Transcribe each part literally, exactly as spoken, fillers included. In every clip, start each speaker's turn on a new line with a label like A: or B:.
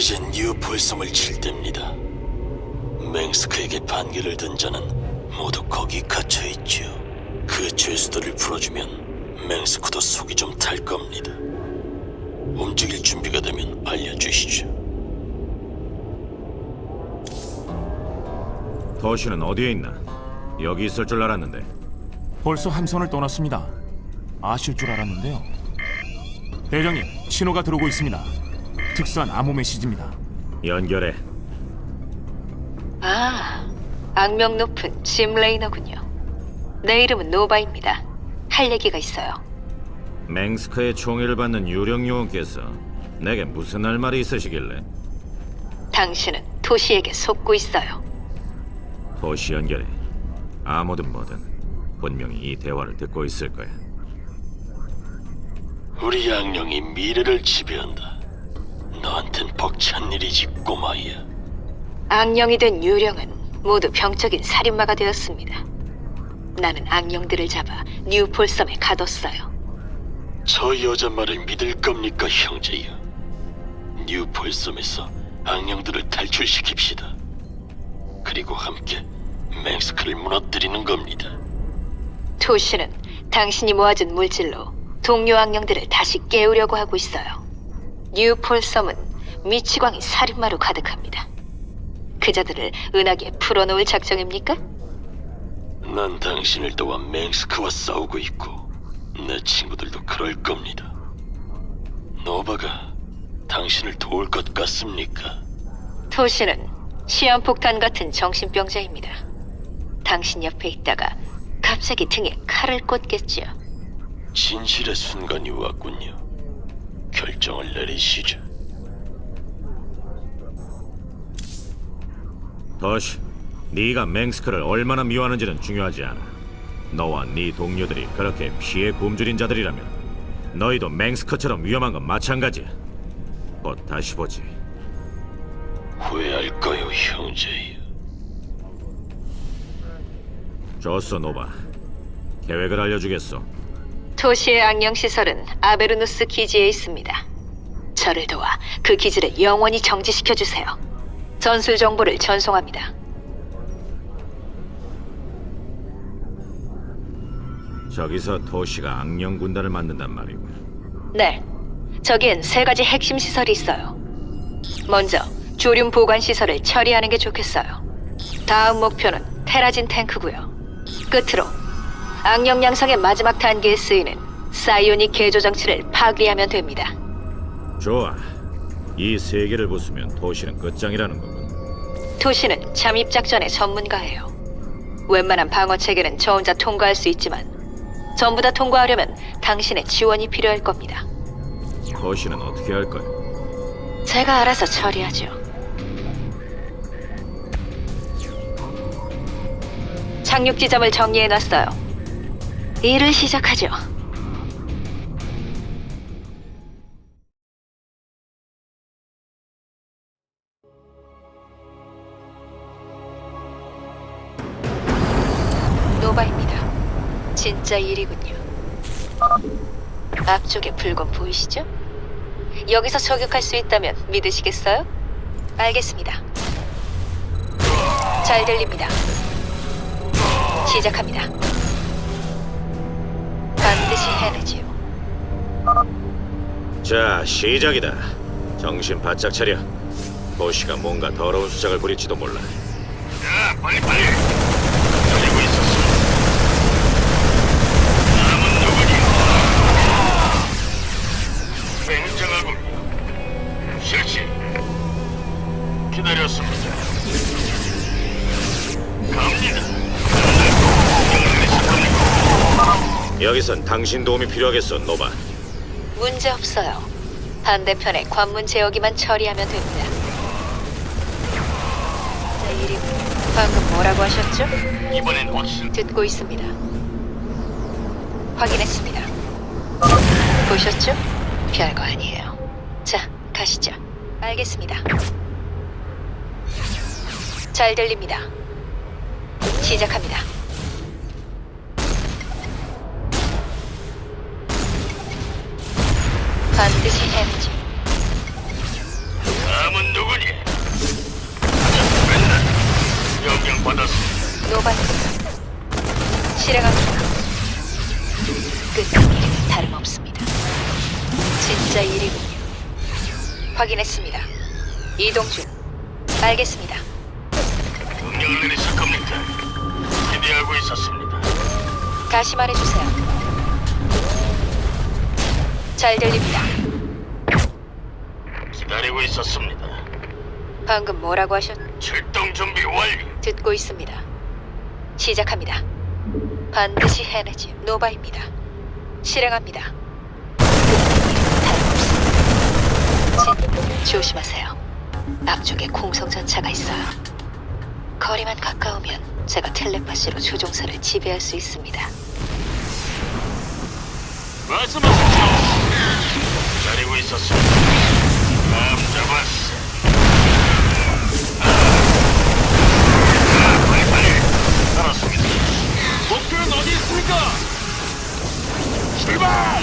A: 이젠 뉴폴섬을 칠 때입니다. 맹스크에게 반기를 든 자는 모두 거기 갇혀 있지요. 그 죄수들을 풀어주면 맹스크도 속이 좀 탈 겁니다. 움직일 준비가 되면 알려주시죠.
B: 도시는 어디에 있나? 여기 있을 줄 알았는데.
C: 벌써 함선을 떠났습니다. 아실 줄 알았는데요. 대장님, 신호가 들어오고 있습니다. 특수한 암호 메시지입니다.
B: 연결해.
D: 아, 악명 높은 짐 레이너군요. 내 이름은 노바입니다. 할 얘기가 있어요.
B: 맹스크의 총애를 받는 유령 요원께서 내게 무슨 할 말이 있으시길래?
D: 당신은 토시에게 속고 있어요.
B: 도시 연결해. 아무든 뭐든 분명히 이 대화를 듣고 있을 거야.
A: 우리 양령이 미래를 지배한다. 너한텐 벅찬 일이지, 꼬마야.
D: 악령이 된 유령은 모두 병적인 살인마가 되었습니다. 나는 악령들을 잡아 뉴폴섬에 가뒀어요.
A: 저 여자 말을 믿을 겁니까, 형제야? 뉴폴섬에서 악령들을 탈출시킵시다. 그리고 함께 맹스크를 무너뜨리는 겁니다.
D: 토시는 당신이 모아준 물질로 동료 악령들을 다시 깨우려고 하고 있어요. 뉴폴섬은 미치광이 살인마로 가득합니다. 그자들을 은하계에 풀어놓을 작정입니까?
A: 난 당신을 도와 맹스크와 싸우고 있고 내 친구들도 그럴 겁니다. 노바가 당신을 도울 것 같습니까?
D: 토시는 시한폭탄 같은 정신병자입니다. 당신 옆에 있다가 갑자기 등에 칼을 꽂겠지요.
A: 진실의 순간이 왔군요. 결정을 내리시죠.
B: 도시, 네가 맹스크를 얼마나 미워하는지는 중요하지 않아. 너와 네 동료들이 그렇게 피해 굶주린 자들이라면 너희도 맹스크처럼 위험한 건 마찬가지야. 곧 다시 보지.
A: 후회할 거요, 형제야.
B: 좋소, 노바. 계획을 알려주겠소.
D: 토시의 악령 시설은 아베르누스 기지에 있습니다. 저를 도와 그 기지를 영원히 정지시켜 주세요. 전술 정보를 전송합니다.
B: 저기서 도시가 악령 군단을 만든단 말이고.
D: 네, 저기엔 세 가지 핵심 시설이 있어요. 먼저 조륨 보관 시설을 처리하는 게 좋겠어요. 다음 목표는 테라진 탱크고요. 끝으로 악령 양성의 마지막 단계에 쓰이는 사이오닉 개조 장치를 파괴하면 됩니다.
B: 좋아. 이 세 개를 부수면 도시는 끝장이라는 거군.
D: 토시는 잠입 작전의 전문가예요. 웬만한 방어 체계는 저 혼자 통과할 수 있지만 전부 다 통과하려면 당신의 지원이 필요할 겁니다.
B: 도시는 어떻게 할 거야?
D: 제가 알아서 처리하죠. 착륙 지점을 정리해놨어요. 일을 시작하죠. 노바입니다. 진짜 일이군요. 앞쪽에 불건 보이시죠? 여기서 저격할 수 있다면 믿으시겠어요? 알겠습니다. 잘 들립니다. 시작합니다. 반드시 해내지요.
B: 자, 시작이다. 정신 바짝 차려. 도시가 뭔가 더러운 수작을 부릴지도 몰라.
A: 야, 빨리 빨리. 기다리고 있었어. 남은 누구니? 굉장하군. 실시. 기다렸습니다. 갑니다.
B: 여기선 당신 도움이 필요하겠어, 노바.
D: 문제 없어요. 반대편에 관문 제어기만 처리하면 됩니다. 자, 이리 방금 뭐라고 하셨죠?
A: 이번엔 확실.
D: 듣고 있습니다. 확인했습니다. 보셨죠? 별거 아니에요. 자, 가시죠. 알겠습니다. 잘 들립니다. 시작합니다. 반드시 해내죠.
A: 남은 누구?
D: 실행합니다. 끝난 일이나 다름없습니다. 진짜 일이군요. 확인했습니다. 이동 중. 알겠습니다.
A: 명령을 내리실 겁니까? 기대하고 있었습니다.
D: 다시 말해주세요. 잘 들립니다.
A: 기다리고 있었습니다.
D: 방금 뭐라고 하셨?
A: 출동 준비 완료.
D: 듣고 있습니다. 시작합니다. 반드시 해내지. 노바입니다. 실행합니다. 다름없습니다. 진, 조심하세요. 앞쪽에 공성전차가 있어요. 거리만 가까우면 제가 텔레파시로 조종사를 지배할 수 있습니다.
A: 말씀하십시오. 기다리고 있었습니다. 감 잡았어. 아, 빨리 빨리. 알았습니다. 목표는 어디 있습니까? 출발!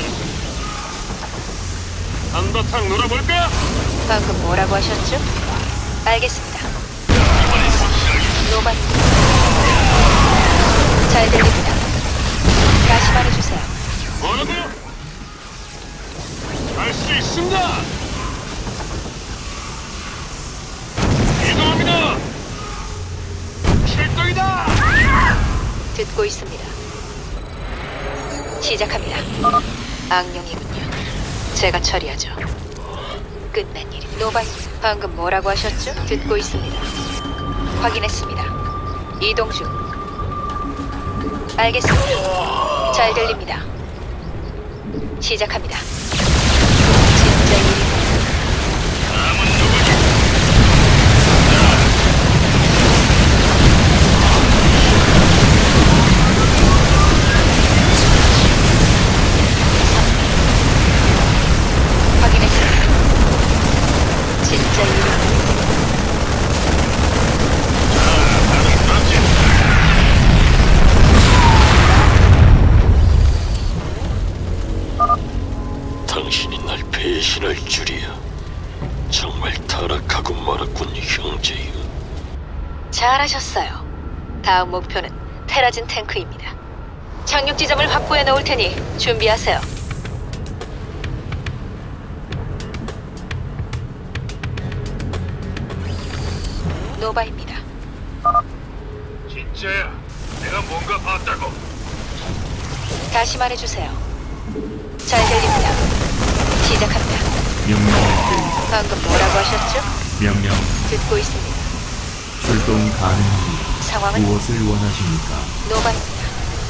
A: 한바탕 놀아볼까?
D: 방금 뭐라고 하셨죠? 알겠습니다.
A: 이번엔 확실하게.
D: 노바입니다. 잘 들립니다. 다시 말해주세요.
A: 뭐라고요? 할 수 있습니다. 이동합니다. 출동이다.
D: 듣고 있습니다. 시작합니다. 악령이군요. 제가 처리하죠. 끝난 일이 노바입니다. 방금 뭐라고 하셨죠? 듣고 있습니다. 확인했습니다. 이동 중. 알겠습니다. 잘 들립니다. 시작합니다. 진짜 일입니다.
A: 다음은 누구지?
D: 확인했습니다. 진짜 일입니다.
A: 당신이 날 배신할 줄이야. 정말 타락하고 말았군, 형제여.
D: 잘하셨어요. 다음 목표는 테라진 탱크입니다. 착륙 지점을 확보해 놓을 테니 준비하세요. 노바입니다.
A: 진짜야. 내가 뭔가 봤다고.
D: 다시 말해주세요. 잘 들립니다. 시작합니다.
E: 명령을 내리다.
D: 방금 뭐라고 하셨죠?
E: 명령
D: 듣고 있습니다.
E: 출동 가능합니다.
D: 상황은
E: 무엇을 원하십니까?
D: 노바입니다.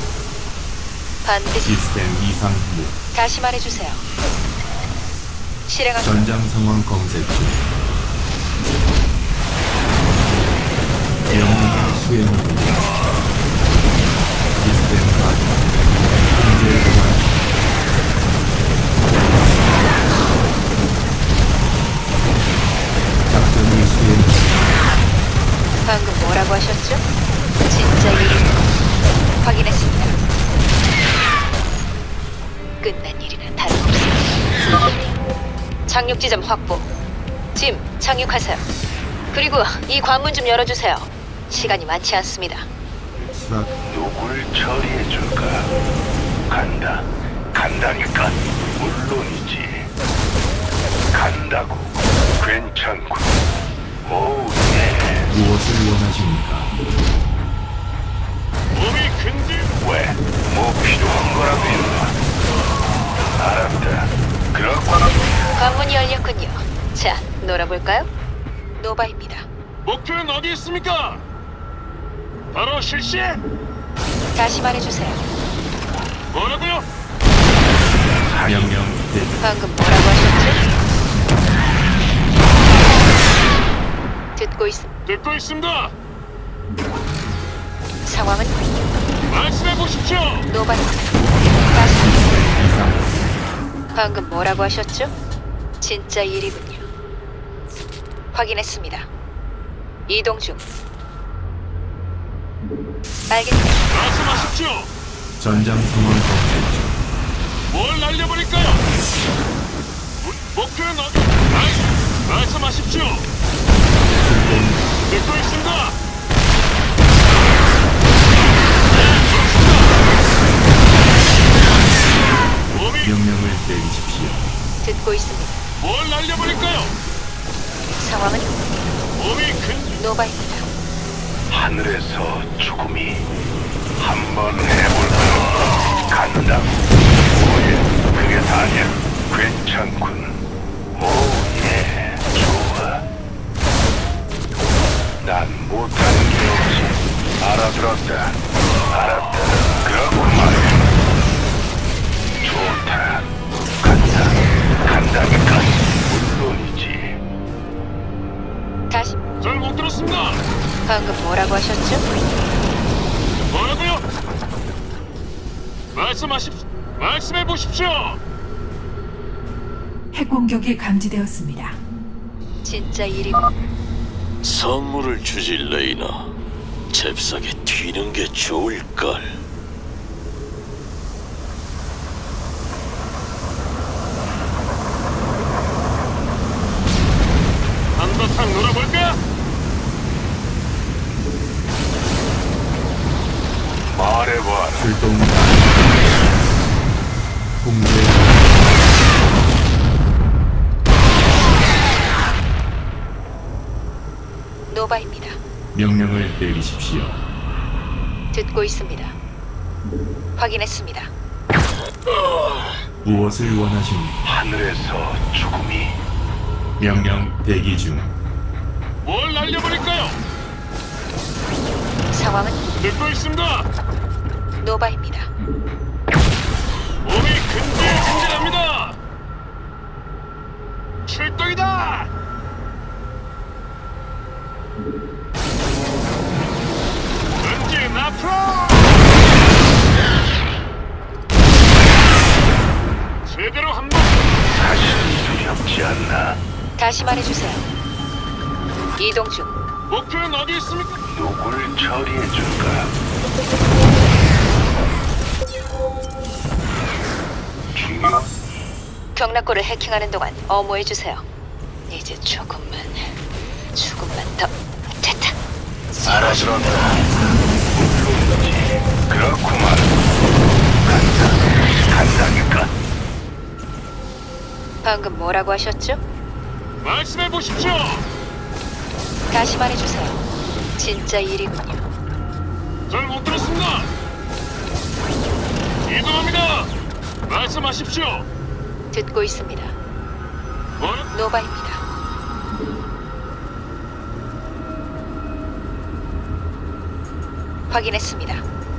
D: 반드시
E: 시스템 이상 무
D: 다시 말해주세요. 실행합니다.
E: 전장 상황 검색 중. 명령 수행합니다. 시스템 가동. 현재 보안. 작전을 수행합니다.
D: 방금 뭐라고 하셨죠? 진짜 일이 확인했습니다. 끝난 일이나 다름없습니다. 착륙 지점 확보. 짐, 착륙하세요. 그리고 이 관문 좀 열어주세요. 시간이 많지 않습니다.
E: 수락
F: 누굴 처리해 줄까? 간다. 간다니까. 물론이지. 간다고. 괜찮고. 오, 네.
E: 무엇을 원하십니까?
A: 몸이 근질.
F: 왜? 뭐 필요한 거라도 있나? 알았다. 그렇구나.
D: 관문이 열렸군요. 자, 놀아볼까요? 노바입니다.
A: 목표는 어디 있습니까? 바로 실시.
D: 다시 말해주세요.
A: 뭐라고요?
E: 명령 대기.
D: 방금 뭐라고 하셨죠? 듣고 있...
A: 듣고 있습니다.
D: 상황은
A: 말씀해 보십시오.
D: 노바입니다. 다시
E: 이상
D: 방금 뭐라고 하셨죠? 진짜 일이군요. 확인했습니다. 이동 중. 알겠습니다.
A: 말씀하십시오.
E: 전장 상황 검색 중.
A: 뭘 날려버릴까요? 모- 목표는 어디? 말, 말씀하십시오. 듣고 있습니다. 네, 그렇습니다.
F: 하늘에서 죽음이 한번 해볼까? 간다. 오예, 그게 다냐? 괜찮군. 오예, 좋아. 난 못하는 게 없지. 알아들었다. 알았다. 그렇군 말이야. 좋다. 간다. 간다니까. 물론이지.
D: 다시
G: 잘 못 들었습니다.
D: 방금 뭐라고 하셨죠?
G: 뭐라고요? 말씀하십시오. 말씀해 보십시오.
H: 핵 공격이 감지되었습니다.
D: 진짜 일이
A: 선물을 주지 레이나. 잽싸게 튀는 게 좋을걸.
G: 한바탕 놀아볼까?
F: 말해봐라.
E: 출동 통제
D: 노바입니다.
E: 명령을 내리십시오.
D: 듣고 있습니다. 확인했습니다.
E: 무엇을 원하십니까?
F: 하늘에서 죽음이
E: 명령 대기 중.
G: 뭘 날려버릴까요?
D: 상황은
G: 듣고 있습니다.
D: 노바입니다.
G: 몸이 근질근질합니다. 출동이다. 전진 앞으로. 제대로 한번.
F: 사실 두렵지 않나?
D: 다시 말해주세요. 이동 중.
G: 목표는 어디 있습니까?
F: 누굴 처리해줄까? 중요?
D: 경락고를 해킹하는 동안 어모해주세요. 이제 조금만, 조금만 더. 됐다.
F: 알아들었다. 물론이지. 그렇구만. 간다. 간다니까.
D: 방금 뭐라고 하셨죠?
G: 말씀해 보십시오.
D: 다시 말해주세요. 진짜 일이군요.
G: 잘 못 들었습니다. 이동합니다. 말씀하십시오.
D: 듣고 있습니다.
G: 뭐?
D: 노바입니다. 확인했습니다.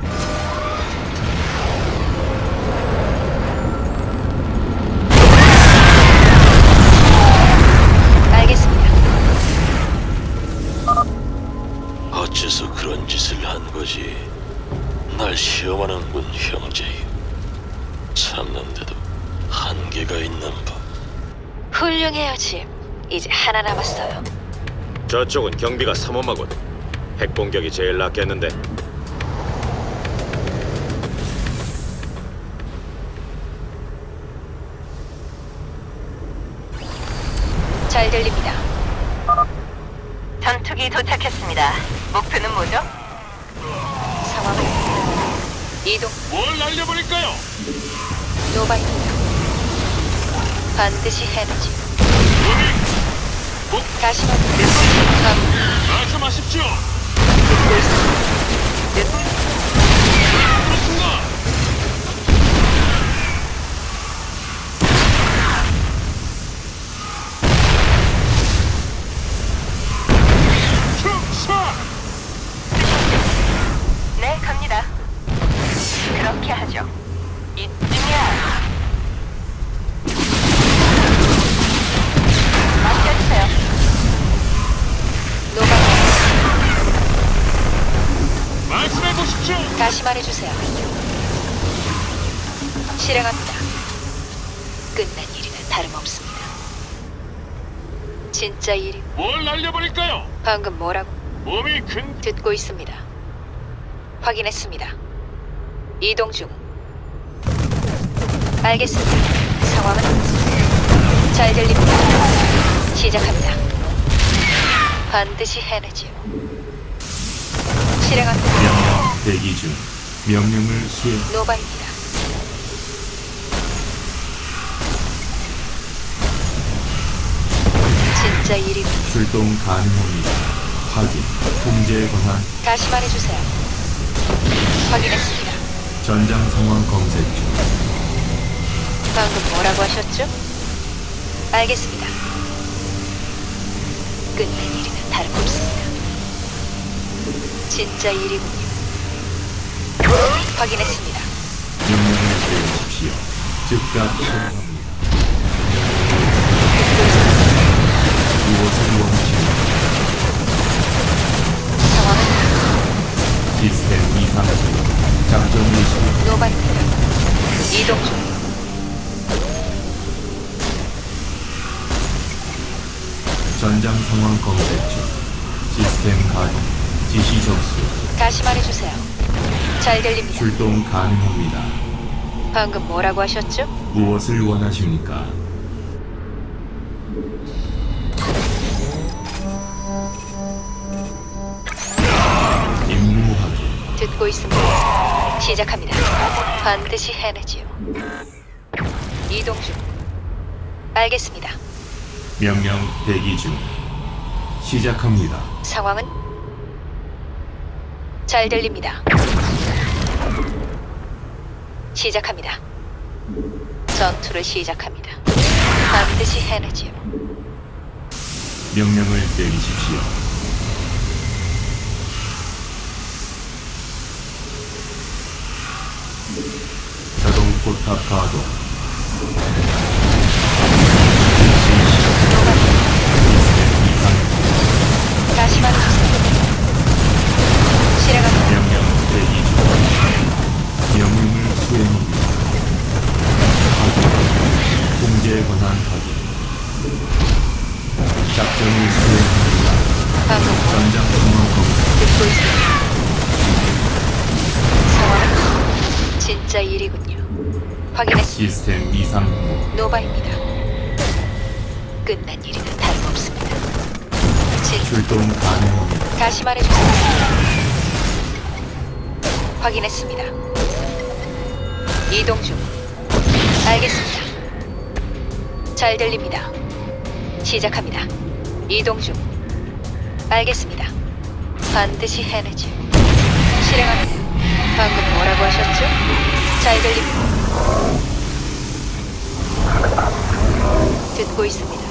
D: 알겠습니다.
A: 어째서 그런 짓을 한 거지? 날 시험하는군, 형제. 참는데도 한계가 있는 법.
D: 훌륭해요, 짐. 이제 하나 남았어요.
B: 저쪽은 경비가 삼엄하군. 핵 공격이 제일 낫겠는데.
D: 잘 들립니다.
I: 전투기 도착했습니다. 목표는 뭐죠?
D: 상황은 이동.
G: 뭘 날려버릴까요?
D: 노바입니다. 반드시 해내지.
G: 몸이
D: 다시 말해. 감
G: 말씀하십시오.
D: 듣고 있습니다.
G: 그렇습니다. 축사.
I: 네, 갑니다. 그렇게 하죠. 이쯤이야. 맡겨주세요.
D: 노바.
G: 말씀해 보십시오.
D: 다시 말해주세요. 실행합니다. 끝난 일이나 다름없습니다. 진짜 일이.
G: 뭘 날려버릴까요?
D: 방금 뭐라고?
G: 몸이 근
D: 듣고 있습니다. 확인했습니다. 이동 중. 알겠습니다. 상황은 잘 들립니다. 시작합니다. 반드시 해내지요. 실행합니다.
E: 명령 대기 중. 명령을 수행.
D: 노바입니다. 진짜 일이
E: 출동 가능합니다. 확인. 통제 권한.
D: 다시 말해주세요. 확인했습니다.
E: 전장 상황 검색 중.
D: 방금 뭐라고 하셨죠? 알겠습니다. 끝낸 일이나 다름없습니다. 진짜 일이군요. 확인했습니다.
E: 명령을 내리십시오. 즉각 실행합니다. 무엇을 원하십니까?
D: 상황은
E: 시스템 이상. 작전 이시.
D: 노바입니다. 이동 중.
E: 전장 상황 검색 중. 시스템 가동. 지시 접수.
D: 다시 말해주세요. 잘 들립니다.
E: 출동 가능합니다.
D: 방금 뭐라고 하셨죠?
E: 무엇을 원하십니까? 임무 확인.
D: 듣고 있습니다. 시작합니다. 반드시 해내지요. 이동 중. 알겠습니다.
E: 명령 대기 중. 시작합니다.
D: 상황은 잘 들립니다. 시작합니다. 전투를 시작합니다. 반드시 해내지요.
E: 명령을 내리십시오. 자동 포탑 가동.
D: 다시 말해주세요. 실행합니다.
E: 명령 대기 중. 명령을 수행합니다. 확인. 통제 권한 확인. 작전을 수행합니다.
D: 방금 뭐
E: 전장 상황 검색.
D: 듣고 있습니다. 상황은 진짜 일이군요. 확인했습니다.
E: 시스템 이상.
D: 노바입니다. 끝난 일이나 다름없습니다. 진
E: 출동 가능합니다.
D: 다시 말해주세요. 확인했습니다. 이동 중. 알겠습니다. 잘 들립니다. 시작합니다. 이동 중. 알겠습니다. 반드시 해내죠. 실행합니다. 방금 뭐라고 하셨죠? 잘 들립니다. 듣고 있습니다.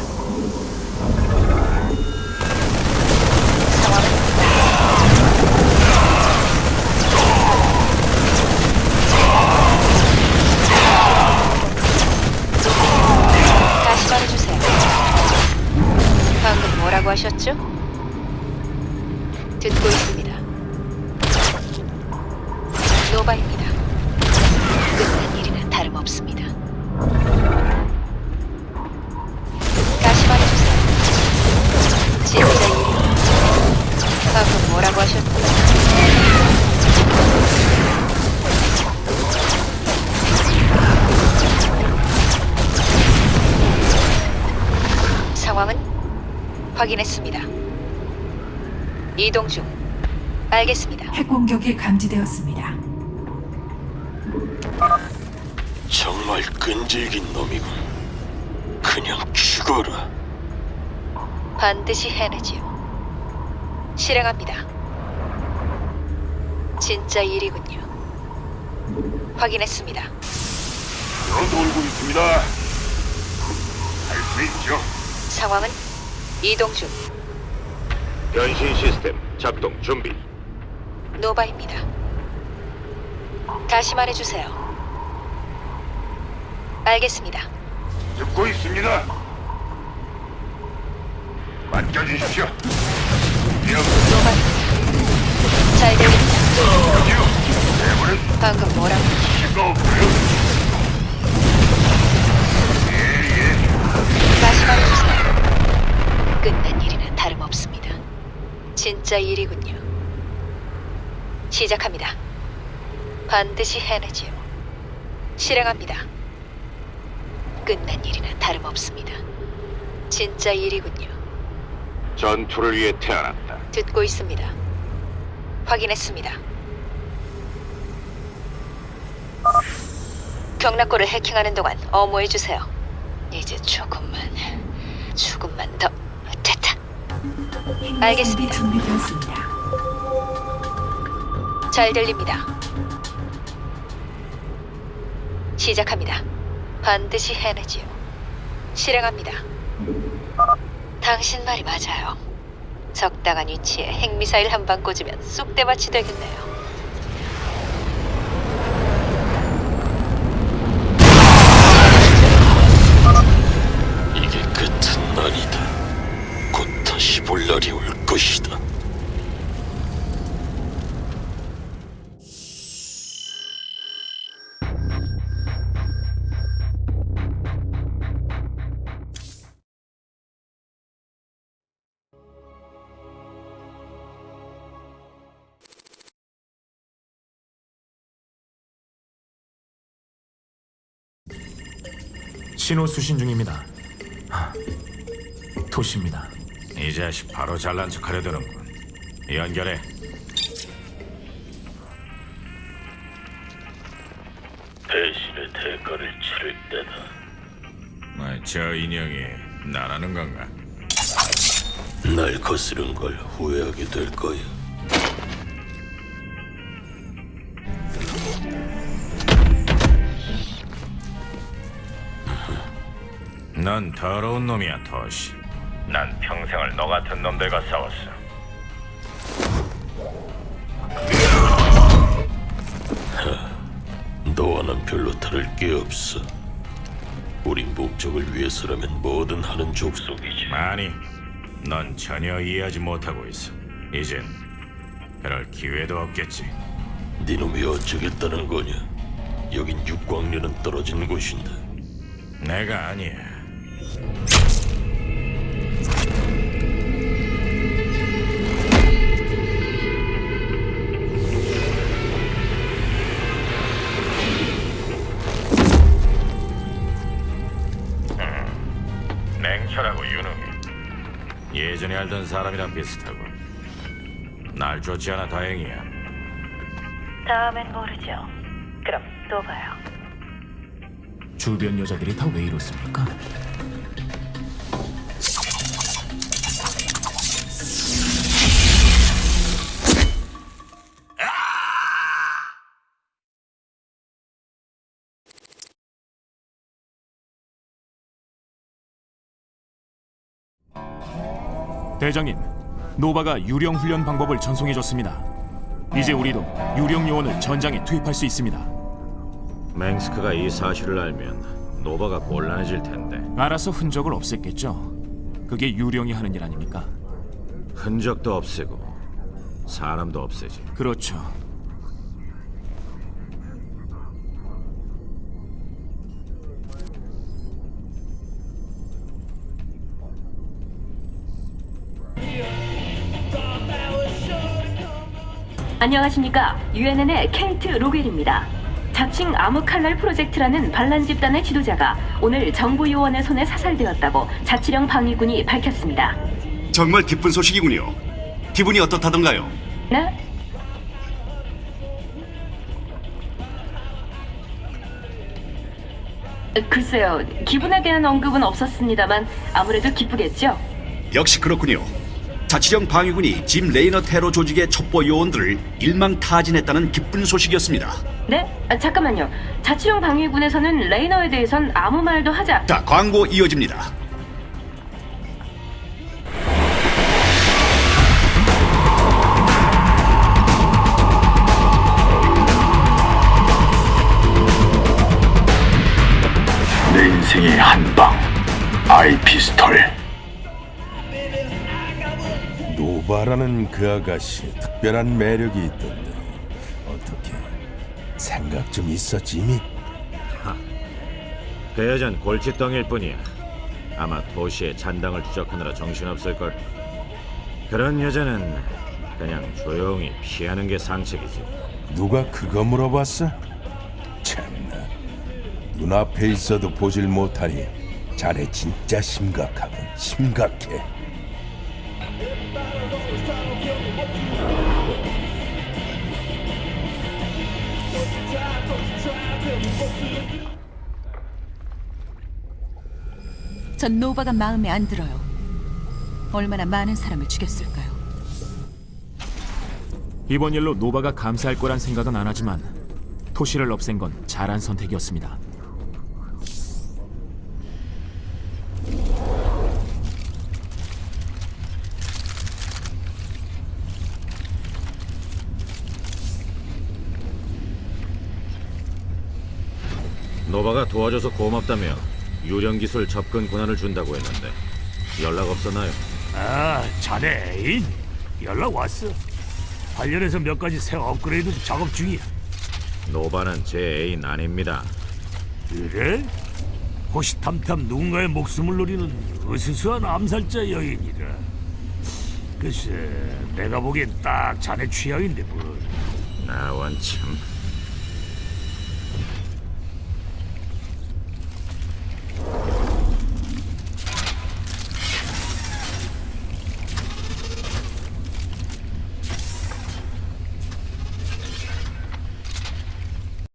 D: 상황은 다시 말해주세요. 방금 뭐라고 하셨죠? 듣고 있습니다. 노바입니다. 끝난 일이나 다름없습니다. 다시 말해주세요. 진짜 일이 방금 뭐라고 하셨죠? 상황은 확인했습니다. 이동 중. 알겠습니다.
H: 핵 공격이 감지되었습니다.
A: 정말 끈질긴 놈이군. 그냥 죽어라.
D: 반드시 해내지요. 실행합니다. 진짜 일이군요. 확인했습니다.
F: 저 돌고 있습니다. 할 수 있죠.
D: 상황은 이동 중.
B: 변신 시스템 작동 준비.
D: 노바입니다. 다시 말해주세요. 알겠습니다.
F: 듣고 있습니다. 맡겨주십시오. 명
D: 노바입니다. 잘 들립니다.
F: 내버려
D: 방금 뭐라고?
F: 수가 없고요.
D: 다시 말해주세요. 끝난 일이나 다름없습니다. 진짜 일이군요. 시작합니다. 반드시 해내지요. 실행합니다. 끝난 일이나 다름없습니다. 진짜 일이군요.
B: 전투를 위해 태어났다.
D: 듣고 있습니다. 확인했습니다. 경락고를 해킹하는 동안 어모해주세요. 이제 조금만, 조금만 더. 됐다.
H: 핵미사일이
D: 알겠습니다.
H: 준비되었습니다.
D: 잘 들립니다. 시작합니다. 반드시 해내지요. 실행합니다. 당신 말이 맞아요. 적당한 위치에 핵미사일 한 방 꽂으면 쑥대밭이 되겠네요.
A: 이게 끝은 아니다. 곧 다시 볼 날이 올 것이다.
C: 신호 수신 중입니다. 하, 토시입니다.
B: 이 자식 바로 잘난 척하려 드는군. 연결해.
A: 배신의 대가를 치를 때다.
B: 뭐, 저 인형이 나라는 건가?
A: 날 거스른 걸 후회하게 될 거야.
B: 넌 더러운 놈이야, 토시. 난 평생을 너 같은 놈들과 싸웠어.
A: 너와는 별로 다를 게 없어. 우리 목적을 위해서라면 뭐든 하는 족속이지.
B: 아니, 넌 전혀 이해하지 못하고 있어. 이젠 그럴 기회도 없겠지.
A: 네놈이 어쩌겠다는 거냐? 여긴 육광년은 떨어진 곳인데.
B: 내가 아니야. 음, 냉철하고 유능해. 예전에 알던 사람이랑 비슷하고. 날 쫓지 않아 다행이야.
I: 다음엔 모르죠. 그럼 또 봐요.
C: 주변 여자들이 다 왜 이렇습니까? 대장님, 노바가 유령 훈련 방법을 전송해줬습니다. 이제 우리도 유령 요원을 전장에 투입할 수 있습니다.
B: 맹스크가 이 사실을 알면 노바가 곤란해질 텐데.
C: 알아서 흔적을 없앴겠죠. 그게 유령이 하는 일 아닙니까?
B: 흔적도 없애고 사람도 없애지.
C: 그렇죠.
J: 안녕하십니까. 유엔엔의 케이트 로겔입니다. 자칭 암흑칼날 프로젝트라는 반란 집단의 지도자가 오늘 정부 요원의 손에 사살되었다고 자치령 방위군이 밝혔습니다.
K: 정말 기쁜 소식이군요. 기분이 어떻다던가요?
J: 네? 글쎄요, 기분에 대한 언급은 없었습니다만 아무래도 기쁘겠죠?
K: 역시 그렇군요. 자치령 방위군이 짐 레이너 테러 조직의 첩보 요원들을 일망타진했다는 기쁜 소식이었습니다.
J: 네? 아, 잠깐만요. 자치령 방위군에서는 레이너에 대해선 아무 말도 하자.
K: 자, 광고 이어집니다.
F: 내 인생의 한방 아이피스톨.
L: 노바라는 그 아가씨 특별한 매력이 있던데 어떻게 생각 좀 있었지 이미?
B: 그 여잔 골칫덩이일 뿐이야. 아마 도시의 잔당을 추적하느라 정신없을걸. 그런 여자는 그냥 조용히 피하는 게 상책이지.
L: 누가 그거 물어봤어? 참나, 눈앞에 있어도 보질 못하니 자네 진짜 심각하군. 심각해.
H: 전 노바가 마음에 안 들어요.
M: 얼마나 많은 사람을 죽였을까요?
C: 이번 일로 노바가 감사할 거란 생각은 안 하지만 토시를 없앤 건 잘한 선택이었습니다.
B: 노바가 도와줘서 고맙다며 유령 기술 접근 권한을 준다고 했는데 연락 없었나요?
N: 아, 자네 애인? 연락 왔어. 관련해서 몇 가지 새 업그레이드 작업 중이야.
B: 노바는 제 애인 아닙니다.
N: 그래? 호시탐탐 누군가의 목숨을 노리는 으스스한 암살자 여인이라. 글쎄, 내가 보기엔 딱 자네 취향인데 뭘.
B: 나원 참